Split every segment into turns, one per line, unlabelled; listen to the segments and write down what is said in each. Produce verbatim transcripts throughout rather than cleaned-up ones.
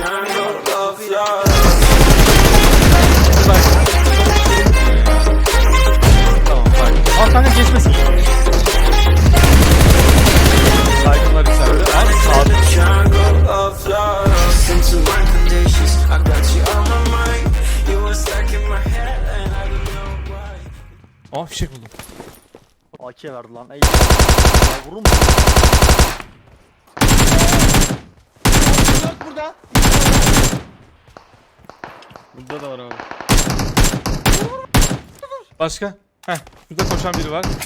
Tamam bak. Al kanka geçmesin. Saygınlar içeride. Al sağda. Aa fişek buldum.
A K verdi lan. Ey. Ya vurur mu? Dört burada.
Burada da var abi.
Başka? Heh. Şurada koşan biri var.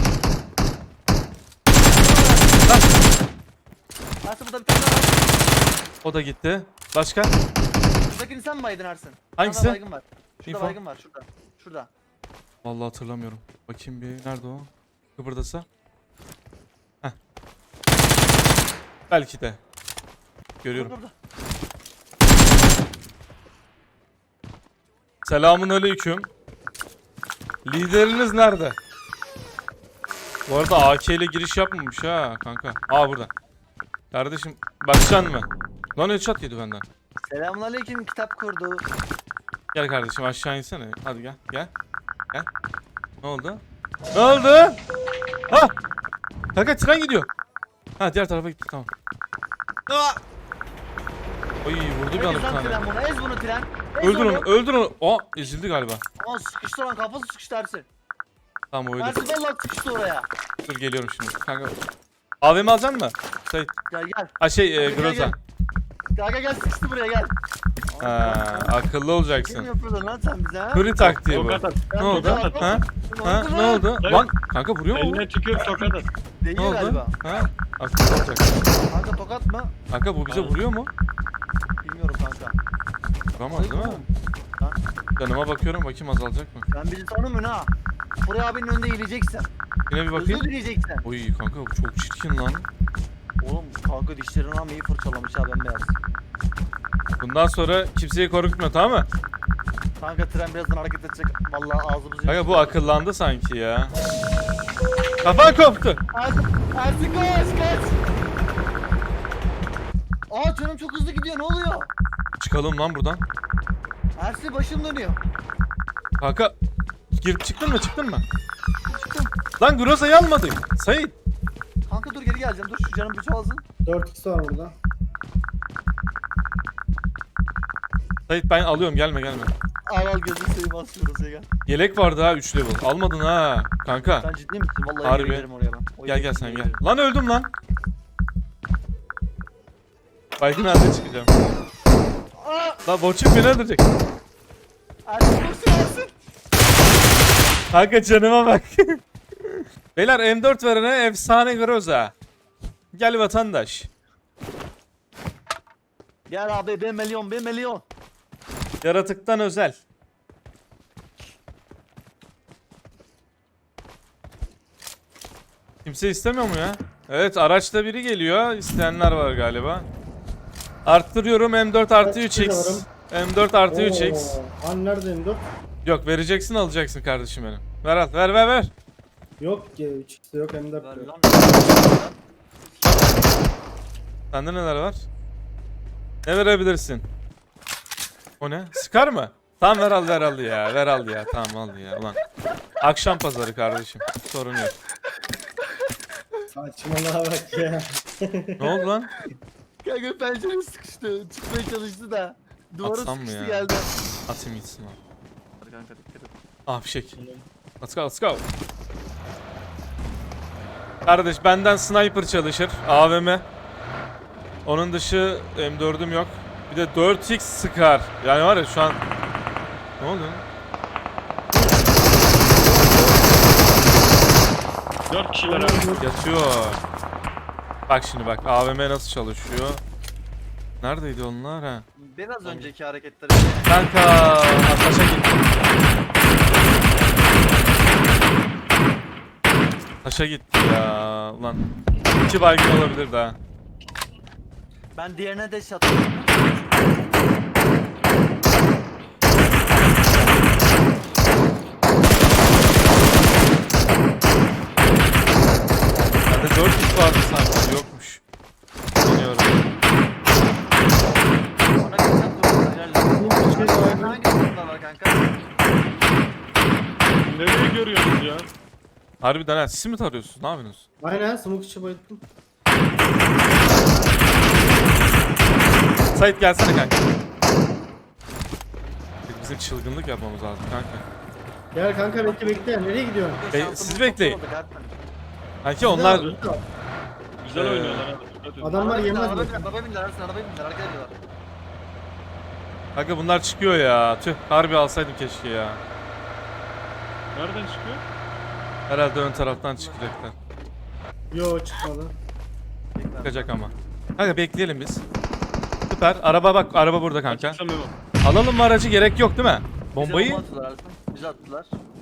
Ersin burada bir tane daha var.
O da gitti. Başka?
Şuradakini sen mi baydın Ersin?
Hangisi?
Şurada baygın var. Şurada
İnfo.
baygın var. Şurada. Şurada.
Vallahi hatırlamıyorum. Bakayım bir nerede o? Kıpırdasa. Heh. Belki de. Görüyorum.
Burada, burada.
Selamun aleyküm. Lideriniz nerede? Bu arada A K ile giriş yapmamış ha kanka. Aa burada. Kardeşim bakacaksın mı? Lan headshot yedi benden.
Selamünaleyküm, kitap kurdu.
Gel kardeşim aşağı insene. Hadi gel gel. Gel. Ne oldu? Ne oldu? Ha! Kanka tren gidiyor. Ha diğer tarafa gitti tamam. Aa! Oy vurdu bir
Ez
anda bir
lan
tane.
tren bunu, ez bunu tren. Ez
Öldür onu, öldür onu. Aa ezildi galiba.
Aa sıkıştı lan, kafası sıkıştı Ersin.
Tamam öldü.
Ersin vallahi sıkıştı oraya.
Dur geliyorum şimdi. Kanka. A V M alacaksın mı? Sait.
Gel gel.
Ha şey e,
Gel, gel,
Groza.
gel. Gel gel sıkıştı buraya gel.
Ha, akıllı
Kim
olacaksın.
yapıyordun lan sen bize ha?
Kuri taktiği bu.
Tokat at.
Ne oldu?
Tokat at.
Ha? Ha?
oldu
Ne
lan?
oldu?
Evet.
Lan kanka vuruyor mu?
Eline tükür tokat at.
Değil
Ne oldu?
galiba.
Ha? Akıllı olacak.
Kanka tokat mı?
Kanka bu bize
Evet.
vuruyor mu?
Bilmiyorum kanka.
Vuramaz değil mi?
Lan
Canıma bakıyorum bakayım azalacak mı?
sen bizi tanımıyorsun ha. Buraya abinin önünde yiyeceksin.
Yine bir
Özür
bakayım.
dileyeceksin.
Oy kanka bu çok çirkin lan.
Oğlum kanka dişlerini ama iyi fırçalamış ha bembeyaz.
Bundan sonra kimseyi korkutma tamam mı?
Kanka tren birazdan hareket edecek. Vallahi ağzımızı
Kanka bu akıllandı sanki ya. Kafan koptu.
Ersin, Ersin kaç kaç. Aa canım çok hızlı gidiyor, ne oluyor?
Çıkalım lan buradan.
Ersin başım dönüyor.
Kanka girip çıktın mı çıktın mı?
Çıktım.
Lan Groza'yı almadık. Sait.
Kanka dur geri geleceğim, dur şu canım bir çoğalsın.
dört x var burada.
Sait ben alıyorum gelme gelme.
Al al gözünü seveyim, asıyoruz ya gel.
Yelek vardı ha üç level. Almadın ha kanka.
Sen ciddi misin? Vallahi
Harbi.
geri gelirim oraya ben. O
Gel
yere
gel sen
geri
gel.
gelirim.
Lan öldüm lan. Baygın halde çıkacağım.
Aa!
Lan Boçuk beni öldürecek.
Ersin koşsun Ersin.
Kanka canıma bak. Beyler M dört verene efsane Groza. Gel vatandaş.
Gel abi bir milyon bir milyon.
Yaratıktan özel. Kimse istemiyor mu ya? Evet araçta biri geliyor. İsteyenler var galiba. Arttırıyorum M dört artı üç x. M dört artı üç x.
Oo, Hani nerede M dört?
Yok vereceksin alacaksın kardeşim benim. Ver al ver ver ver.
Yok ki üç x'de yok M dört
Ver
yok.
lan.
Sende neler var? Ne verebilirsin? O ne? Sıkar mı? Tamam ver al ver al ya. Ver al ya. Tamam al ya. Ulan. Akşam pazarı kardeşim. Sorun yok.
Saçmalığa bak ya.
Ne oldu lan?
Kanka pencere sıkıştı. Çıkmaya çalıştı da. Duvara
Atsam mı
sıkıştı
ya?
geldi.
Atayım gitsin lan.
Hadi kanka dikkat et.
Ah fişek. Let's go let's go. Kardeş benden sniper çalışır. A V M. Onun dışı M dördüm yok. Bir de dört x sıkar. Yani var ya şu an... Ne oldu?
Dört kişiler abi.
Yatıyor. Bak şimdi bak A V M nasıl çalışıyor. Neredeydi onlar ha?
Biraz önceki hareketleri.
Kanka taşa gitti. Taşa gitti ya. Ulan iki baygın olabilir daha.
Ben diğerine de şatım.
Bende dört x vardı sanki yokmuş. Bilmiyorum.
Ona
Harbiden ha. Siz mi tarıyorsunuz? Ne yapıyorsunuz?
Aynen smoke içi bayıldım.
Sait gelsene kanka. Bizim çılgınlık yapmamız lazım kanka.
Gel kanka bekle bekle. Nereye gidiyorsun?
Be-
Şansımız
siz
çok
bekleyin.
oldu kardeşim.
Kanki onlar...
Güzel
Ee,
oynuyorlar abi. Dikkat edin.
Adamlar
Arabaya bindiler,
yemez
arabaya
mi?
bindiler, arabaya bindiler, Ersin, arabaya bindiler, hareket ediyorlar.
Kanka bunlar çıkıyor ya. Tüh harbi alsaydım keşke ya.
Nereden çıkıyor?
Herhalde ön taraftan çıkacaklar.
Yo çıkmadı.
Bekler.
Çıkacak ama. Kanka bekleyelim biz. Süper. Araba bak, araba burada kanka.
Açıksa Memo.
Alalım mı aracı, gerek yok değil mi?
Bize
Bombayı
bomba attılar Ersin, bize attılar.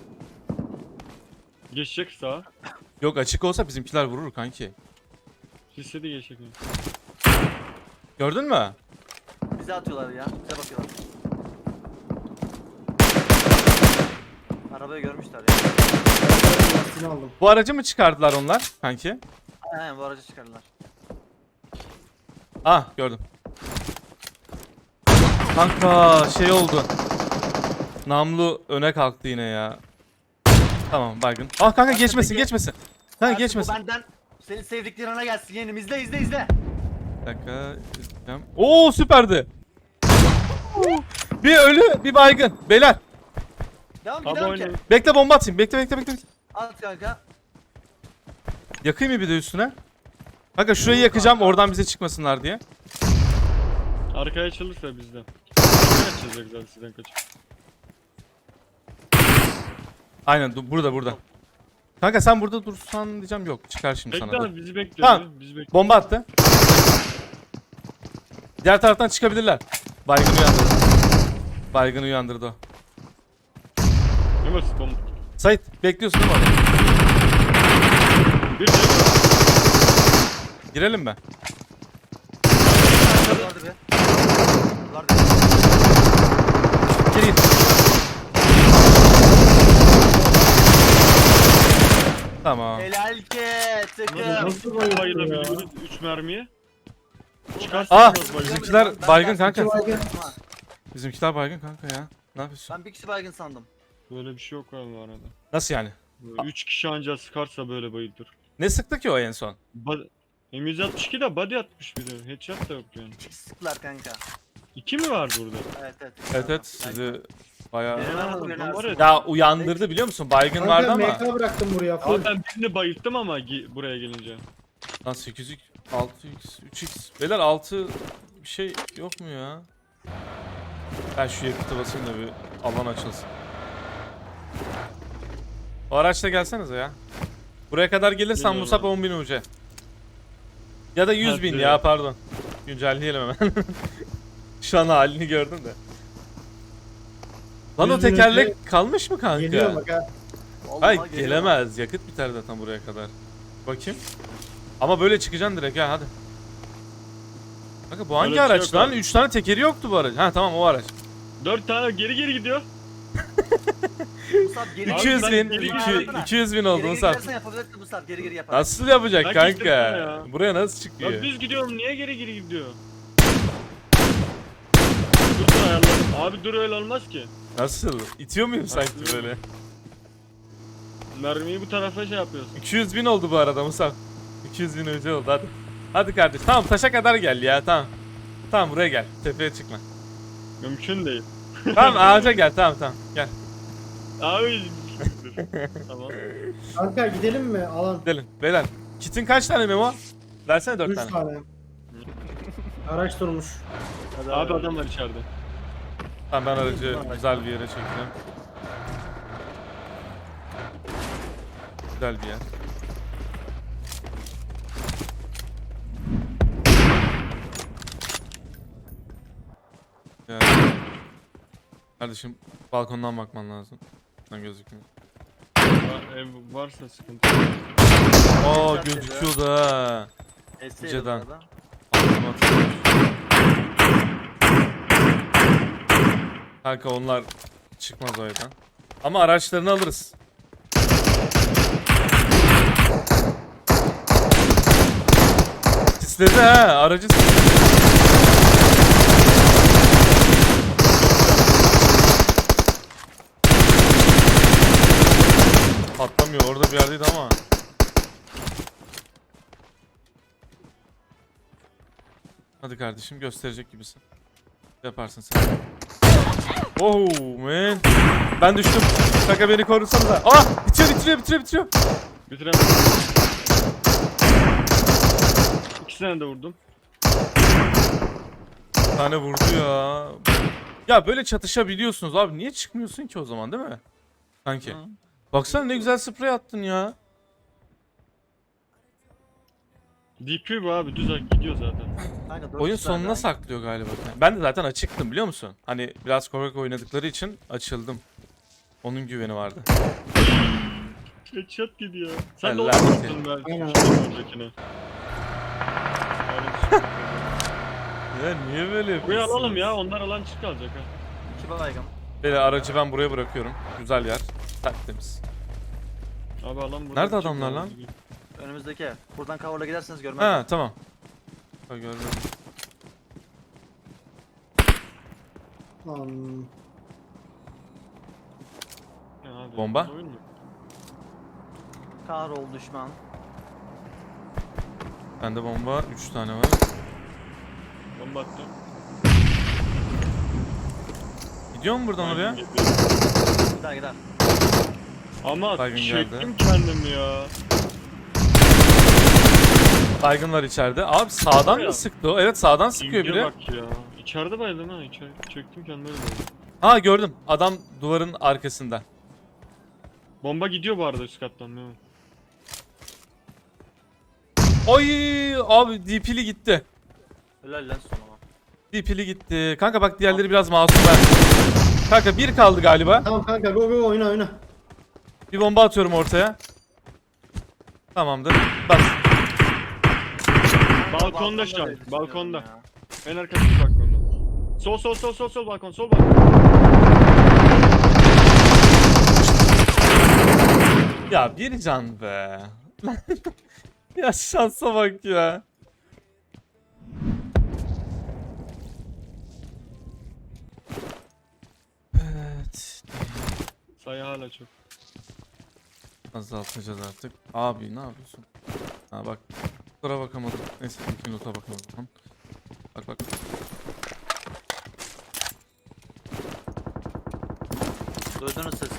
Geçecek sağa.
yok, açık olsa bizimkiler vurur kanki.
Listede geçecek mi?
Gördün mü?
Bize atıyorlar ya, bize bakıyorlar. Arabayı görmüşler ya.
Lastiğini aldım.
Bu aracı mı çıkardılar onlar kanki?
Aynen bu aracı çıkardılar.
Ah gördüm. Kanka şey oldu. Namlu öne kalktı yine ya. Tamam baygın. Ah kanka geçmesin
peki-
geçmesin. Kanka
Ersin,
geçmesin.
Bu benden senin sevdiklerine gelsin yeğenim, izle izle izle.
Bir dakika. izleyeceğim. Oo süperdi. Bir ölü bir baygın. Beyler
Devam
Abi
gidelim ki.
oynayın.
bekle, bomba atayım. Bekle bekle bekle. bekle.
At kanka.
Yakayım mı bir de üstüne? Kanka şurayı yakacağım oradan bize çıkmasınlar diye.
Arkaya açılırsa bizden. Ne açılacak zaten sizden kaçıp.
Aynen dur- burada burada. Kanka sen burada dursan diyeceğim, yok çıkar şimdi
Bekle
sana. dur.
abi bizi bekliyor.
Tamam.
ya, Bizi bekliyor.
Bomba attı. Diğer taraftan çıkabilirler. Baygın uyandırdı. Baygın uyandırdı o.
Memo bomba.
Sait bekliyorsun değil mi orada?
Bir şey.
Girelim mi?
Vardı be. Vardı.
Gir gir. Tamam.
Helal ki tıkım.
Nasıl bayıldı ya?
Bayılabiliyoruz üç mermiye. Çıkarsın.
Ah!
biraz bayılır.
Bizimkiler
Ben-
baygın
ben-
kanka.
ben- baygın. Ha,
Bizimkiler baygın kanka ya. Ne yapıyorsun?
Ben bir kişi baygın sandım.
Böyle bir şey yok abi bu arada.
Nasıl yani?
Böyle üç kişi anca sıkarsa böyle bayılır.
Ne sıktı ki o en son?
Ba- M yüz altmış iki de body atmış bir de. Headshot da yok yani.
Sıktılar kanka.
İki mi var burada?
Evet evet.
Evet evet sizi bayağı...
Benim
Aa,
aradım, benim
adam var
aradım.
ya.
Ya uyandırdı biliyor musun? Baygın vardı
Kanka
ama.
M K bıraktım buraya. Full.
Abi ben birini bayılttım ama gi- buraya gelince.
Lan sekiz x, altı x, üç x. Beyler altı bir şey yok mu ya? Ben şu yakıtı basayım da bir alan açılsın. O araçla gelsenize ya. Buraya kadar gelirsen
Geliyorum
Musab
abi.
on bin uca. Ya da yüz bin
Hadi.
ya pardon. Güncelleyelim hemen. Şu an halini gördüm de. Lan o
yüz bin
tekerlek kalmış mı kanka?
Geliyor bak ha.
Vallahi
Hayır
geliyor.
gelemez. Yakıt biter zaten buraya kadar. Bakayım. Ama böyle çıkacaksın direkt ha hadi. Kanka bu hangi
Öyle bir şey
araç
yok
lan?
abi.
üç tane tekeri yoktu bu aracın. Ha tamam o araç.
Dört tane geri geri gidiyor.
Musab geri
iki yüz
ben
bin,
geri
iki-
yapsana.
iki yüz bin
Geri
oldu
geri
Musab.
gidersen yapabilirsin Musab, geri geri yapar.
Nasıl yapacak
Ben
kanka?
kestirdim ya.
Buraya nasıl
Ya
çıkıyor?
düz gidiyorum niye geri geri gidiyor? Dur dur ayarladım. Abi dur öyle olmaz ki.
Nasıl? İtiyor muyum sanki
Nasıl?
böyle?
Mermiyi bu tarafa şey yapıyorsun.
iki yüz bin oldu bu arada Musab. iki yüz bin önce oldu hadi. Hadi kardeş tamam taşa kadar gel ya tamam. Tamam buraya gel. Tepeye çıkma.
Mümkün değil.
Tamam ağaca gel tamam tamam gel.
Abi dur. Tamam.
Kanka gidelim mi? Alan.
Gidelim. Beyler. Kitin kaç tane Memo? Versene dört
Üç
tane.
tane. Araç durmuş.
Abi adam var içeride.
Tamam ben aracı güzel bir yere çekeceğim. Güzel bir yer. Yani. Kardeşim balkondan bakman lazım. Lan gözükmüyor.
Va- Ev varsa sıkıntı. yok.
Oo
Güzel
gözüküyordu ha.
Etseydi
Önceden.
bu arada.
Aklıma atılmış. Kanka onlar çıkmaz o evden. Ama araçlarını alırız. Sisledi ha aracı sisledi. Patlamıyor orada bir yerdeydi ama Hadi kardeşim gösterecek gibisin. Yaparsın sen. Oh man. Ben düştüm. Kanka beni korusana da. Ah bitiriyor bitiriyor bitiriyor bitiriyor.
Bitiremedim. İkisine de vurdum.
Bir tane vurdu ya. Ya böyle çatışabiliyorsunuz abi. Niye çıkmıyorsun ki o zaman değil mi? Sanki.
Hı.
Baksana ne güzel sprey attın ya.
D P bu abi düz gidiyor zaten.
Kanka, dört
Oyun
kişi var
sonuna
ya.
saklıyor galiba. Ben de zaten açıktım biliyor musun? Hani biraz korkak oynadıkları için açıldım. Onun güveni vardı.
Headshot gidiyor. Sen de
Allah
onu
seni.
vurdun belki.
Aynen.
Öncekine.
Ya niye böyle
Buraya
yapıyorsunuz?
alalım ya onlar alan çık kalacak ha.
İki baygın.
Böyle aracı ben buraya bırakıyorum. Güzel yer. Tertemiz.
Abi alan burada.
Nerede
çık
adamlar lan?
kalacak.
Önümüzdeki ev. Buradan cover'la giderseniz görmez.
Ha tamam. Bak gördüm.
Lan.
Ya abi,
Bomba?
oyun mu?
Kahrol düşman.
Bende bomba üç tane var.
Bomba attım.
Gidiyor mu buradan oraya?
Gider gider.
Ama
Baygın
çektim
geldi.
kendim ya.
Baygın var içeride. Abi sağdan
Ya.
mı sıktı o? Evet sağdan sıkıyor
İnce
biri.
bak ya. İçeride bayıldım ha. İçeri çektim kendimi öyle bayıldım.
Ha gördüm. Adam duvarın arkasında.
Bomba gidiyor bu arada üst kattan. Memo.
Oy abi D P'li gitti.
Helal lan sonuna.
D P'li gitti. Kanka bak diğerleri biraz masum ben. Kanka bir kaldı galiba.
Tamam kanka go go oyna oyna.
Bir bomba atıyorum ortaya. Tamamdır. Bas.
Balkonda şu an.
diye düşünüyorum
Balkonda.
ya.
En arkadaki balkonda. Sol sol sol sol sol balkon sol balkon.
Ya bir can be. Ya şansa bak ya. Evet.
Sayı hala çok.
Azaltacağız artık. Abi ne yapıyorsun? Ha bak. Kusura bakamadım. Neyse ilk nota bakalım o zaman. Bak bak.
Duydunuz sesi.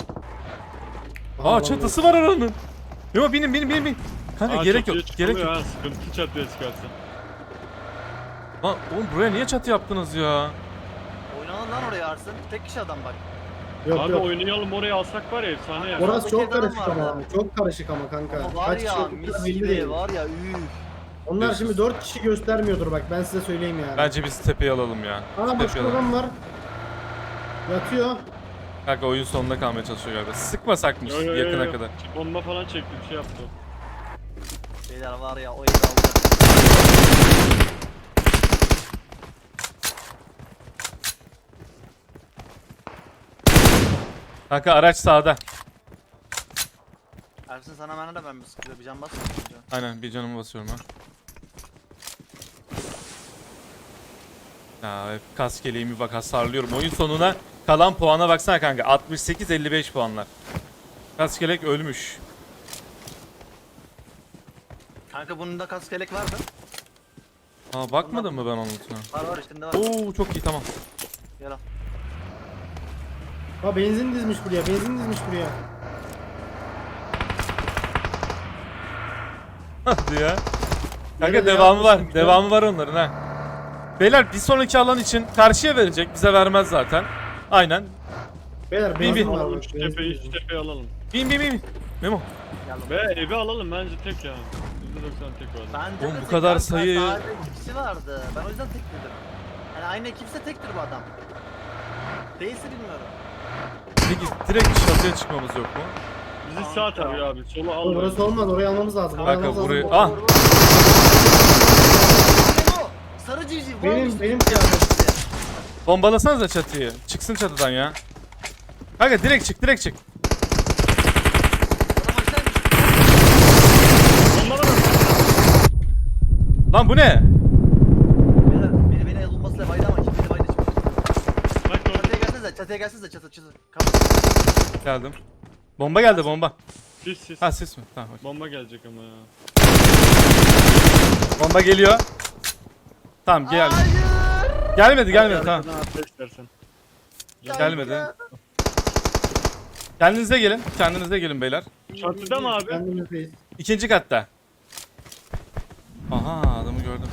Aa çatısı var aranın. Yok binin binin binin bin. Kanka
Aa,
gerek
çatıya
yok. Gerek
çıkılıyor
yok.
ha, sıkıntı çatıya çıkarsa.
Lan oğlum buraya niye çatı yaptınız ya?
Oynanın lan oraya Arsın. Tek kişi adam bak.
Yok
Abi
yok.
oynayalım oraya alsak var ya efsane ya.
Orası çok
Oradaki
karışık
adam
ama.
vardı.
Çok karışık ama kanka.
Ama var
Kaç kişi
ya
oldukları
mis
belli
gibi
değil.
var ya üf.
Onlar şimdi dört kişi göstermiyordur bak ben size söyleyeyim yani.
Bence biz tepeyi alalım ya.
Aa
Tepeyi
başka
alalım.
adam var. Yatıyor.
Kanka oyun sonunda kalmaya çalışıyor galiba. Sıkmasakmış
Yo, yo, yo,
yakına
yo.
kadar.
Bomba falan çekti bir şey yaptı.
Beyler var ya o evi aldı.
Kanka araç sağda.
Ersin sana bana da ben bir sıkıyor. Bir can bas. önce.
Aynen bir canımı basıyorum ha. Ya hep kas keleğimi bak hasarlıyorum. Oyun sonuna kalan puana baksana kanka. altmış sekiz elli beş puanlar. Kas kelek ölmüş.
Kanka bunun da kask kelek vardı.
Aa bakmadın mı ben onun üstüne?
Var var üstünde var.
Oo çok iyi tamam.
Gel al.
Ha benzin dizmiş buraya. Benzin dizmiş buraya.
Hadi ya. Kanka
Nerede
devamı var.
yapmışsın?
Devamı var onların ha. Beyler bir sonraki alan için karşıya verecek. Bize vermez zaten. Aynen.
Beyler
bin.
benzin var
Alalım
bak.
şu
benzin
tepeyi,
dizmiş.
şu tepeyi alalım.
Bin bin bin bin. Memo.
Gel al.
Ve evi alalım bence tek ya. yüzde doksan tek var.
Bence
Oğlum
de
bu
tek
kadar
kanka,
sayı-
Sadece iki kişi vardı. Ben o yüzden tek dedim. Yani aynı ekipse tektir bu adam. Değilse bilmiyorum.
Peki direkt çatıya çıkmamız yok mu?
Bizi sağ tarıyor abi. Solu al.
Oğlum, Orası olmaz. Orayı almamız lazım. Orayı
Kanka,
almamız
burayı-
lazım.
Ah!
Vur, vur, vur. Memo, sarı civciv.
Benim-
varmış
benim
bir
kıyafetim.
tanesi.
Bombalasanıza çatıyı. Çıksın çatıdan ya. Kanka direkt çık direkt çık.
Adam aşağıymış.
Bomba var.
Lan bu ne?
Beni, beni, beni el bulmasıyla baydı ama şimdi beni baydı şimdi.
Bak orada.
Çatıya gelsenize, çatıya gelsenize, çatı, çatı. Kapı.
Geldim. Bomba geldi bomba.
Sis sis.
Ha sis mi? Tamam. okey.
Bomba gelecek ama ya.
Bomba geliyor. Tamam gel.
Hayır.
Gelmedi gelmedi tamam.
Arkadan atla istersen.
Gelmedi. Kendinize gelin. Kendinize gelin beyler.
Çatıda mı abi?
Kendimizdeyiz.
İkinci katta. Aha adamı gördüm.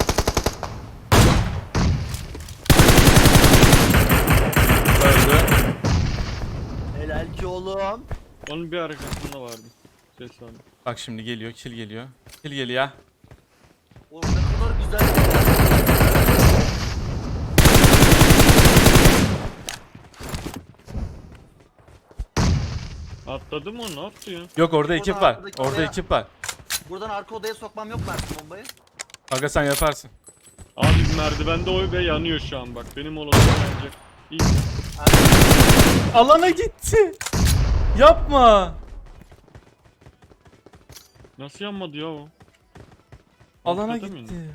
Öldü.
Helal ki oğlum.
Onun bir arkasında vardı. Ses vardı.
Bak şimdi geliyor. Kill geliyor. Kill geliyor.
Oğlum ne kadar güzel.
Atladı mı o? Ne yaptı ya?
Yok orada ekip var.
arkadaki
Orada
odaya-
ekip var.
Buradan arka odaya sokmam yok mu artık bombayı?
Aga sen yaparsın.
Abi merdivende oy ve yanıyor şu an bak. Benim olasım bence. İyi.
Alana gitti. Yapma.
Nasıl yanmadı ya o?
Alana
Ortada mı
gitti.
yine?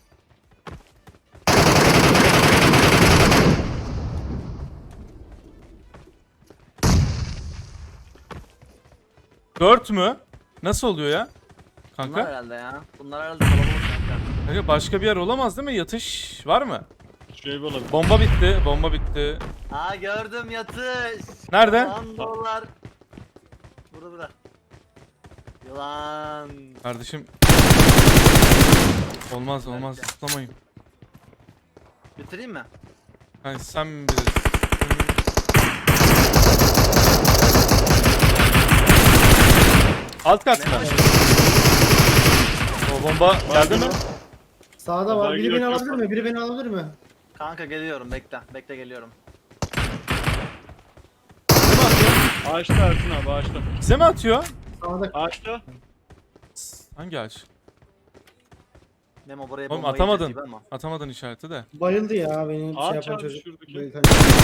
Dört mü? Nasıl oluyor ya?
Bunlar
Kanka.
herhalde ya. Bunlar herhalde kalabalık kanka.
Kanka başka bir yer olamaz değil mi? Yatış var mı?
Şey olabilir.
Bomba bitti. Bomba bitti.
Aa gördüm yatış.
Nerede?
Yılan dolar. Burada burada. Yılan.
Kardeşim. Olmaz olmaz.
Belki.
Zıplamayın.
Bitireyim mi?
Yani sen bilirsin. Alt kat mı? O bomba geldi mi?
Sağda var.
Vallahi
Biri beni
yok,
alabilir
yok.
mi? Biri beni alabilir mi?
Kanka geliyorum bekle. Bekle geliyorum.
Ağaçta Ersin abi ağaçta.
Bize mi atıyor?
Sağda.
Ağaçta.
Hangi ağaç?
Memo buraya
Oğlum
bomba
atamadın.
yiyeceğiz gibi ama.
Atamadın işareti de.
Bayıldı ya benim şey
Ağaç
yapan
abi
çocuk.
şuradaki.
Bayıldı.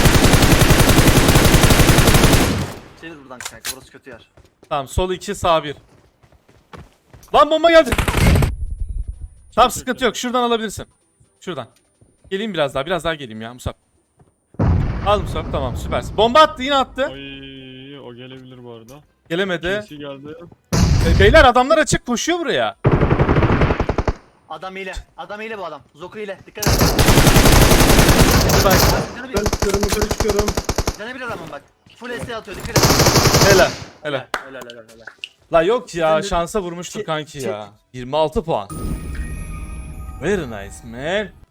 Çevir buradan kanka burası kötü yer.
Tamam sol iki sağ bir. Lan bomba geldi. Tamam sıkıntı yok. Şuradan alabilirsin. Şuradan. Geleyim biraz daha. Biraz daha geleyim ya Musab. Al Musab tamam süpersin. Bomba attı yine attı.
Ay o gelebilir bu arada.
Gelemedi.
Kimsi geldi.
E, beyler adamlar açık koşuyor buraya.
Adam hile. Adam hile bu adam. Zoku hile. Dikkat et.
Hadi bak.
Canı bir.
Yukarı çıkıyorum yukarı çıkıyorum.
Canı bir adamın bak. Full S atıyor. Dikkat et.
Helal. Helal.
Helal helal helal.
La yok ya
Sizin de-
şansa vurmuştur
Çek-
kanki
çek.
ya. yirmi altı puan. Very nice man.